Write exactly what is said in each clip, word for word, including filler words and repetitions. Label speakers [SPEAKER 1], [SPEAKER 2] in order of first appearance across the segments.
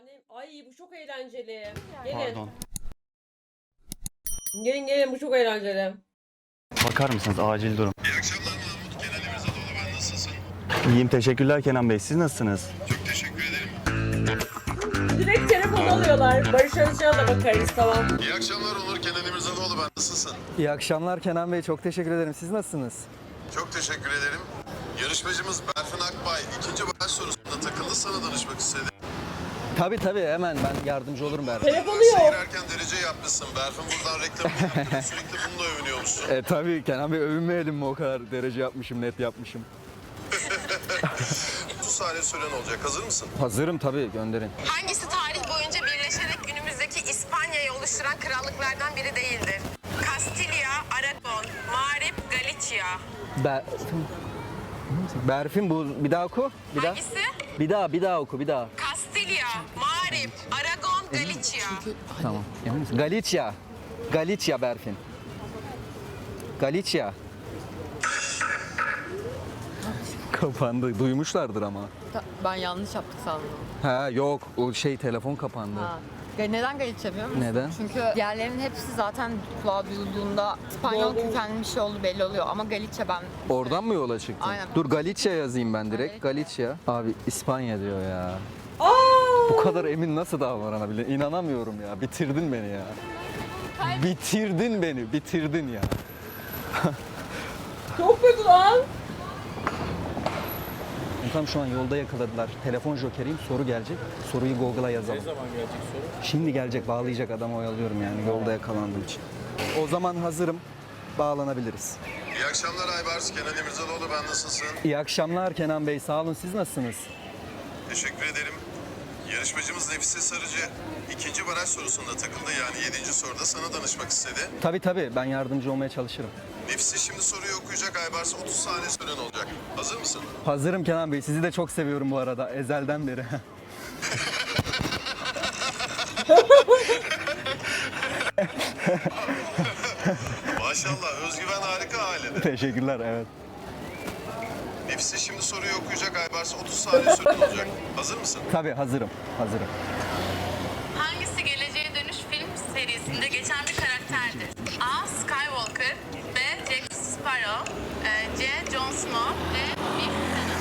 [SPEAKER 1] Efendim, ay bu çok eğlenceli. Gelin.
[SPEAKER 2] Pardon.
[SPEAKER 1] Gelin gelin bu çok eğlenceli.
[SPEAKER 2] Bakar mısınız? Acil durum.
[SPEAKER 3] İyi akşamlar Mahmut. Kenan İmirzalıoğlu, ben nasılsın?
[SPEAKER 2] İyiyim, teşekkürler Kenan Bey. Siz nasılsınız?
[SPEAKER 3] Çok teşekkür ederim.
[SPEAKER 1] Direkt telefon alıyorlar. Barış Özcan'a da bakarız, tamam.
[SPEAKER 3] İyi akşamlar Onur. Kenan İmirzalıoğlu, ben nasılsın?
[SPEAKER 4] İyi akşamlar Kenan Bey. Çok teşekkür ederim. Siz nasılsınız?
[SPEAKER 3] Çok teşekkür ederim. Yarışmacımız Berfin Akbay ikinci baş sorusunda takıldı, sana danışmak istedi.
[SPEAKER 4] Tabii tabii hemen ben yardımcı olurum Berfin.
[SPEAKER 1] Telefonu yok.
[SPEAKER 3] Seyirerken derece yapmışsın. Berfin buradan reklamını yaptı. Sürekli bununla övünüyormuşsun.
[SPEAKER 4] E tabii Kenan Bey övünmeyelim mi o kadar derece yapmışım, net yapmışım.
[SPEAKER 3] otuz saniye süren olacak. Hazır mısın?
[SPEAKER 4] Hazırım tabii, gönderin.
[SPEAKER 5] Hangisi tarih boyunca birleşerek günümüzdeki İspanya'yı oluşturan krallıklardan biri değildir? Kastilya, Aragon, Mağrip, Galicia.
[SPEAKER 4] Ber... Berfin bu bir daha oku. Bir daha.
[SPEAKER 5] Hangisi?
[SPEAKER 4] Bir daha bir daha oku bir daha.
[SPEAKER 5] Kastilya, Mağrip, Aragon, Galicia.
[SPEAKER 4] Tamam. Emin misin? Galicia. Galicia Berfin. Galicia. Kapandı. Duymuşlardır ama.
[SPEAKER 6] Ben yanlış yaptık sandım.
[SPEAKER 4] Ha yok, o şey telefon kapandı.
[SPEAKER 6] Ha. Ya neden Galicia biliyor musun?
[SPEAKER 4] Neden?
[SPEAKER 6] Çünkü diğerlerinin hepsi zaten kulağa duyulduğunda İspanyol
[SPEAKER 1] Doğru.
[SPEAKER 6] kökenli bir şey olduğu belli oluyor. Ama Galicia ben...
[SPEAKER 4] Oradan mı yola çıktın?
[SPEAKER 6] Aynen.
[SPEAKER 4] Dur Galicia yazayım ben direkt. Galicia. Abi İspanya diyor ya.
[SPEAKER 1] Aa!
[SPEAKER 4] Bu kadar emin nasıl davranabilir? İnanamıyorum ya. Bitirdin beni ya. Bitirdin beni, bitirdin ya.
[SPEAKER 1] Çok kötü lan.
[SPEAKER 4] Tam şu an yolda yakaladılar. Telefon jokeriyim, soru gelecek. Soruyu Google'a yazalım. Ne zaman gelecek soru? Şimdi gelecek, bağlayacak, adamı oyalıyorum yani yolda yakalandığım için. O zaman hazırım, bağlanabiliriz.
[SPEAKER 3] İyi akşamlar Aybars. Kenan İmirzalıoğlu, ben nasılsın?
[SPEAKER 4] İyi akşamlar Kenan Bey, sağ olun. Siz nasılsınız?
[SPEAKER 3] Teşekkür ederim. Yarışmacımız Nefise Sarıcı ikinci baraj sorusunda takıldı. Yani yedinci soruda sana danışmak istedi.
[SPEAKER 4] Tabii tabii, ben yardımcı olmaya çalışırım.
[SPEAKER 3] Nefise şimdi soruyu okuyacak Aybars. otuz saniye süren olacak. Hazır mısın?
[SPEAKER 4] Hazırım Kenan Bey, sizi de çok seviyorum bu arada, ezelden beri.
[SPEAKER 3] Maşallah, özgüven harika ailede.
[SPEAKER 4] Teşekkürler, evet.
[SPEAKER 3] Nefise şimdi soruyu okuyacak Aybars. otuz saniye süren olacak. Hazır mısın?
[SPEAKER 4] Tabii hazırım, hazırım.
[SPEAKER 5] Hangisi Geleceğe Dönüş film serisinde geçen bir karakterdir? A. Skywalker, B. Jack Sparrow, e, C. Jon Snow, D. Biff Tannen.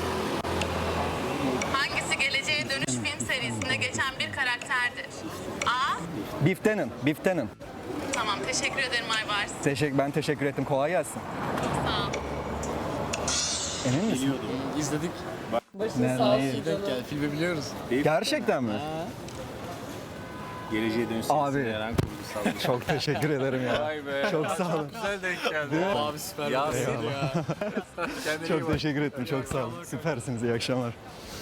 [SPEAKER 5] Hangisi Geleceğe Dönüş film serisinde geçen bir karakterdir? A.
[SPEAKER 4] Biftenin, biftenin.
[SPEAKER 5] Tamam, teşekkür ederim Aybars.
[SPEAKER 4] Teşekkür, ben teşekkür ettim, kolay gelsin.
[SPEAKER 5] Sağ ol.
[SPEAKER 4] Emin misin?
[SPEAKER 7] İzledik.
[SPEAKER 1] Başın
[SPEAKER 4] Ne-
[SPEAKER 1] sağ
[SPEAKER 4] neyi?
[SPEAKER 1] olsun canım.
[SPEAKER 7] Gel filmi biliyoruz.
[SPEAKER 4] Gerçekten mi?
[SPEAKER 7] Geleceğe dönüş
[SPEAKER 4] Abi.
[SPEAKER 7] serisinde Eren kurgusal.
[SPEAKER 4] Çok teşekkür ederim ya.
[SPEAKER 7] Vay be.
[SPEAKER 4] Çok sağ olun.
[SPEAKER 7] Güzel denk geldi. Abi süper. Ya seni ya. Kendine iyi
[SPEAKER 4] Çok
[SPEAKER 7] bak.
[SPEAKER 4] teşekkür ettim, çok sağ olun. Süpersiniz, iyi akşamlar.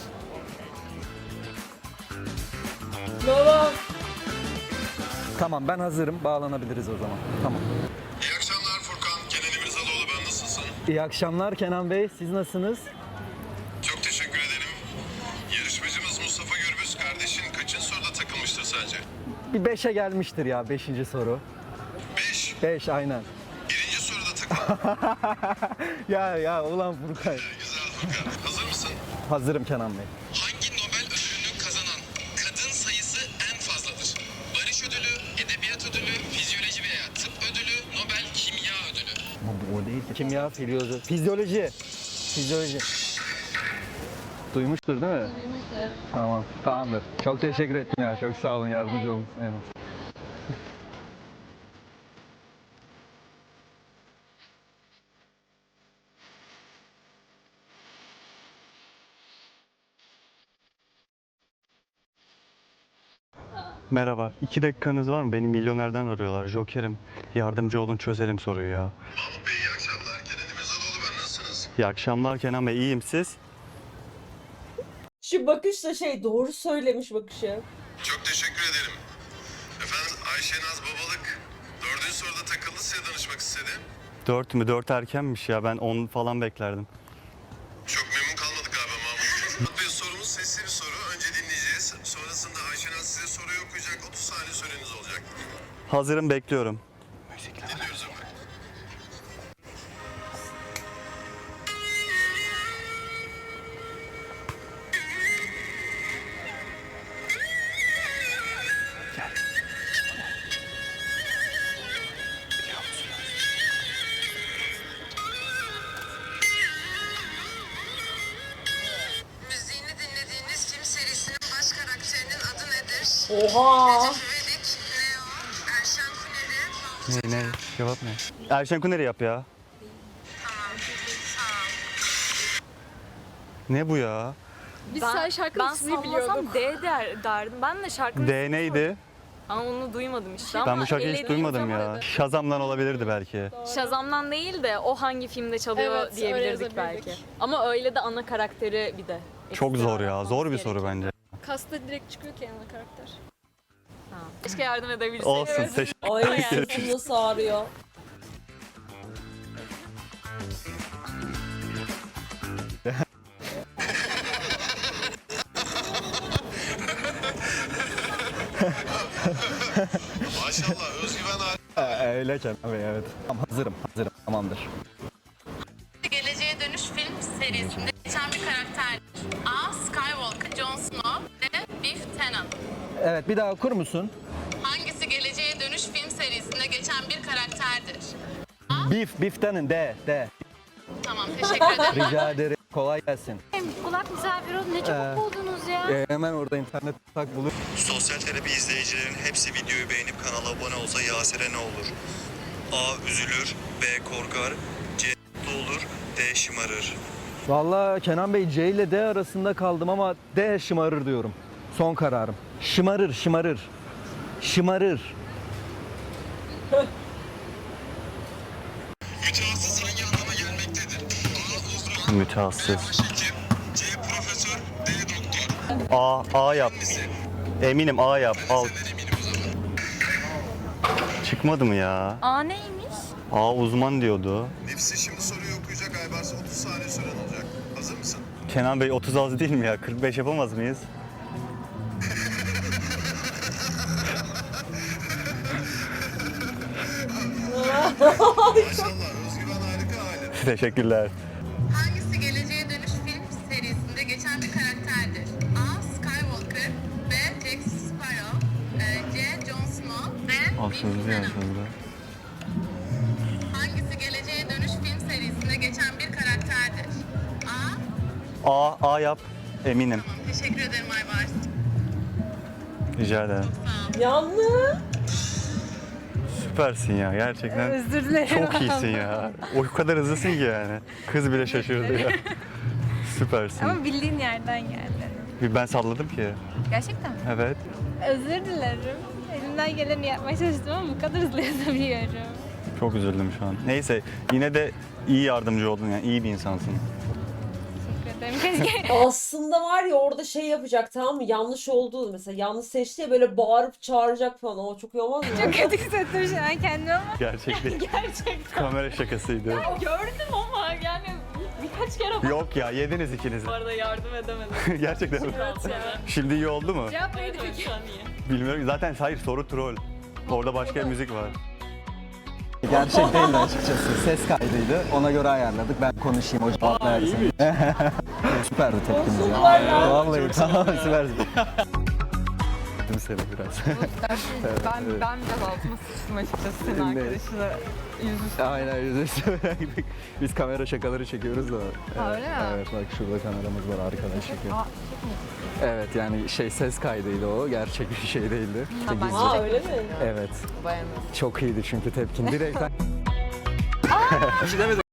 [SPEAKER 1] Baba.
[SPEAKER 4] Tamam, ben hazırım, bağlanabiliriz o zaman. Tamam.
[SPEAKER 3] İyi akşamlar Furkan. Kenan İmirzalıoğlu, ben nasılsın?
[SPEAKER 4] İyi akşamlar Kenan Bey, siz nasılsınız?
[SPEAKER 3] Çok teşekkür ederim. Yarışmacımız Mustafa Gürbüz kardeşin kaçıncı soruda takılmıştır sence?
[SPEAKER 4] Bir beşe gelmiştir ya, beşinci soru.
[SPEAKER 3] Beş.
[SPEAKER 4] Beş, aynen.
[SPEAKER 3] Birinci soruda takıldı.
[SPEAKER 4] Ya ya, ulan Furkay.
[SPEAKER 3] Güzel Furkan. Hazır mısın?
[SPEAKER 4] Hazırım Kenan Bey.
[SPEAKER 3] Hangi Nobel ödülünü kazanan kadın sayısı en fazladır? Barış ödülü, edebiyat ödülü, fizyoloji veya tıp ödülü, Nobel kimya ödülü.
[SPEAKER 4] Ama bu o değil ki. Kimya, fizyoloji. Fizyoloji. Fizyoloji. Duymuştur değil mi? Duymuştur. Tamam, tamamdır. Çok teşekkür ettim ya, çok sağ olun, yardımcı olun. Evet.
[SPEAKER 2] Merhaba. İki dakikanız var mı? Beni milyonerden arıyorlar. Joker'im. Yardımcı olun, çözelim soruyu ya.
[SPEAKER 3] Mahmut Bey iyi akşamlar. Kenan İmirzalıoğlu, ben nasılsınız?
[SPEAKER 2] İyi akşamlar Kenan Bey. İyiyim, siz?
[SPEAKER 1] Şu bakış da şey, doğru söylemiş bakışı.
[SPEAKER 3] Çok teşekkür ederim. Efendim Ayşenaz Babalık dördüncü soruda takıldı, size danışmak istedi.
[SPEAKER 2] Dört mü? Dört erkenmiş ya. Ben on falan beklerdim.
[SPEAKER 3] Çok memnun kalmadık galiba Mahmut. Mahmut Bey, sorumuz sesli bir soru. Önce dinleyeceğiz. Sonrasında Ayşenaz size soruyu okuyacak. otuz saniye süreniz olacak.
[SPEAKER 2] Hazırım, bekliyorum.
[SPEAKER 3] Dinliyoruz efendim.
[SPEAKER 1] Oha.
[SPEAKER 2] Ne ne? Cevap ne? Erşen Kuneri yap ya. Ne bu ya?
[SPEAKER 6] Biz
[SPEAKER 8] Ben,
[SPEAKER 6] sen şarkının
[SPEAKER 8] ben
[SPEAKER 6] ismini biliyorduk.
[SPEAKER 8] sallasam D der, derdim. Ben de şarkının
[SPEAKER 2] D
[SPEAKER 8] ismini
[SPEAKER 2] neydi?
[SPEAKER 8] koydum. Ama onu duymadım işte.
[SPEAKER 2] Ben
[SPEAKER 8] Ama
[SPEAKER 2] bu şarkıyı hiç
[SPEAKER 8] elediğim
[SPEAKER 2] duymadım
[SPEAKER 8] zaman
[SPEAKER 2] ya.
[SPEAKER 8] da-
[SPEAKER 2] Shazam'dan olabilirdi belki.
[SPEAKER 8] Shazam'dan değil de o hangi filmde çalıyor
[SPEAKER 6] Evet, öyle
[SPEAKER 8] diyebilirdik
[SPEAKER 6] yazabilirdik.
[SPEAKER 8] belki. Ama öyle de ana karakteri bir de.
[SPEAKER 2] Çok
[SPEAKER 8] ekstra
[SPEAKER 2] zor ya.
[SPEAKER 8] yapmamız
[SPEAKER 2] Zor bir
[SPEAKER 8] gerekiyor.
[SPEAKER 2] soru bence.
[SPEAKER 6] Kasta direkt çıkıyor ki ana karakter.
[SPEAKER 8] Ha. Keşke yardım edebilsek.
[SPEAKER 2] Olsun. Teşekkür
[SPEAKER 1] Ay sırtım nasıl ağrıyor.
[SPEAKER 3] Maşallah özgüven hali.
[SPEAKER 4] Ee, öyle Kenan Bey, evet. Tamam, hazırım, hazırım. Tamamdır.
[SPEAKER 5] Geleceğe Dönüş film serisinde geçen bir karakterdir. A. Skywalker, Jon Snow ve Biff Tannen.
[SPEAKER 4] Evet, bir daha okur musun?
[SPEAKER 5] Hangisi Geleceğe Dönüş film serisinde geçen bir karakterdir?
[SPEAKER 4] Beef, Beef Tannen, D, D.
[SPEAKER 5] Tamam, teşekkür ederim.
[SPEAKER 4] Rica ederim. Kolay gelsin.
[SPEAKER 8] Kulak misafir olun. Ne
[SPEAKER 4] Ee,
[SPEAKER 8] çabuk buldunuz ya.
[SPEAKER 4] Ee, hemen orada internet tak bulup.
[SPEAKER 9] Sosyal terapi izleyicilerin hepsi videoyu beğenip kanala abone olsa Yasir'e ne olur? A. Üzülür, B. Korkar, C. Mutlu olur, D. Şımarır.
[SPEAKER 4] Vallahi Kenan Bey, C ile D arasında kaldım ama D şımarır diyorum. Son kararım. Şımarır, şımarır. Şımarır.
[SPEAKER 3] Mütehassıs hangi anlama gelmektedir? A. Uzman,
[SPEAKER 2] Mütehassıs.
[SPEAKER 3] başhekim, C. Profesör, D. Doktor.
[SPEAKER 2] A, A yap. Eminim A yap. Al.
[SPEAKER 3] Ben eminim o zaman.
[SPEAKER 2] Çıkmadı mı ya?
[SPEAKER 8] Aa neymiş?
[SPEAKER 2] A uzman diyordu.
[SPEAKER 3] Nefsi şimdi soruyu okuyacak Aybars. otuz saniye süren olacak. Hazır mısın?
[SPEAKER 2] Kenan Bey otuz az değil mi ya? kırk beş yapamaz mıyız?
[SPEAKER 3] Maşallah özgüven harika hali.
[SPEAKER 2] Teşekkürler.
[SPEAKER 5] Hangisi Geleceğe Dönüş film serisinde geçen bir karakterdir? A. Skywalker, B. Jack Sparrow, e, C. Jon Snow, D. Biff Tannen. Hangisi Geleceğe Dönüş film serisinde geçen bir karakterdir? A.
[SPEAKER 2] A, A yap. Eminim.
[SPEAKER 5] Tamam, teşekkür ederim Aybars.
[SPEAKER 2] Rica ederim.
[SPEAKER 1] Yanlış.
[SPEAKER 2] Süpersin ya gerçekten.
[SPEAKER 8] Özür dilerim.
[SPEAKER 2] Çok iyisin ya. O kadar hızlısın ki yani. Kız bile şaşırdı ya. Süpersin.
[SPEAKER 6] Ama bildiğin yerden geldi.
[SPEAKER 2] Bir ben salladım ki.
[SPEAKER 6] Gerçekten mi?
[SPEAKER 2] Evet.
[SPEAKER 6] Özür dilerim. Elimden geleni yapmaya çalıştım ama bu kadar hızlı yazabiliyorum.
[SPEAKER 2] Çok üzüldüm şu an. Neyse yine de iyi yardımcı oldun yani. İyi bir insansın.
[SPEAKER 6] Teşekkür ederim. Keşke
[SPEAKER 1] Aslında var ya orada şey yapacak, tamam mı? Yanlış oldu mesela. Yanlış seçti ya, böyle bağırıp çağıracak falan. O çok iyi olmaz mı?
[SPEAKER 6] çok kötü hissettim şu an kendimi ama.
[SPEAKER 2] Gerçek değil.
[SPEAKER 6] Gerçekten.
[SPEAKER 2] Kamera şakasıydı.
[SPEAKER 8] Gördüm ama yani birkaç kere
[SPEAKER 2] Yok ya yediniz ikiniz.
[SPEAKER 8] bu arada yardım edemedim.
[SPEAKER 2] Gerçekten mi? Şimdi iyi oldu mu?
[SPEAKER 6] Cevap neydi
[SPEAKER 8] Evet,
[SPEAKER 6] peki?
[SPEAKER 8] şu an iyi.
[SPEAKER 2] Bilmiyorum. Zaten hayır soru troll. Orada başka müzik var.
[SPEAKER 4] Gerçek değildi açıkçası. Ses kaydıydı. Ona göre ayarladık. Ben konuşayım, o cevap versin. Süperdi tepkiniz ya. Vallahi tamam, süperdi.
[SPEAKER 2] Seni biraz.
[SPEAKER 6] Ben, ben biraz altıma sıçtım açıkçası senin
[SPEAKER 4] Ne?
[SPEAKER 6] arkadaşına yüzüstü.
[SPEAKER 4] Aynen, yüzüstü. Biz kamera şakaları çekiyoruz da.
[SPEAKER 6] Ha, öyle mi?
[SPEAKER 4] Evet, bak şurada kameramız var, arkadan çekiyor.
[SPEAKER 6] Aa,
[SPEAKER 4] Evet, yani şey, ses kaydıydı o. Gerçek bir şey değildi. İşte
[SPEAKER 6] ben-
[SPEAKER 4] gizli.
[SPEAKER 1] Aa öyle mi?
[SPEAKER 4] Evet.
[SPEAKER 6] bayanız.
[SPEAKER 4] Çok iyiydi çünkü tepkin. Direkt